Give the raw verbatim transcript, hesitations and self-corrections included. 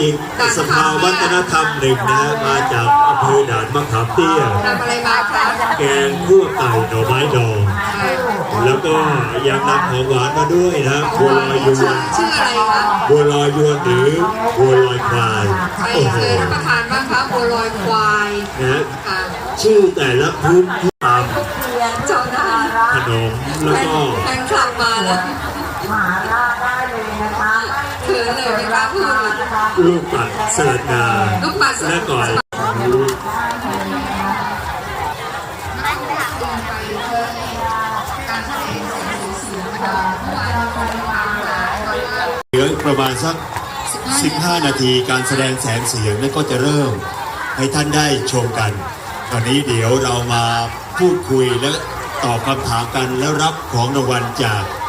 อีกสภาวัฒนธรรมหนึ่งนะมาจากอำเภอด่านมะขามเตี้ยทำอะไรมาคะแกงคั่วไก่หน่อไม้ดองแล้วก็ยังนำของหวานมาด้วยนะบัวลอยยวนชื่ออะไรคะบัวลอยยวนหรือบัวลอยควายใครโอ้โหเคยรับประทานบ้างคะบัวลอยควายนะค่ะชื่อแต่ละพื้นที่ตามเจ้าหน้าขนมแล้วก็แฟนคลับมาแล้วมาได้เลยนะคะเขินเลยไม่กล้าพูดลูกปัดสลัดงาลูกปัดสลัและดก่อนเหลือประมาณสักสิบห้านาทีการแสดงแสงเสียงนั่นก็จะเริ่มให้ท่านได้ชมกัน ตอนนี้เดี๋ยวเรามาพูดคุยและตอบคำถามกันแล้วรับของรางวัลจาก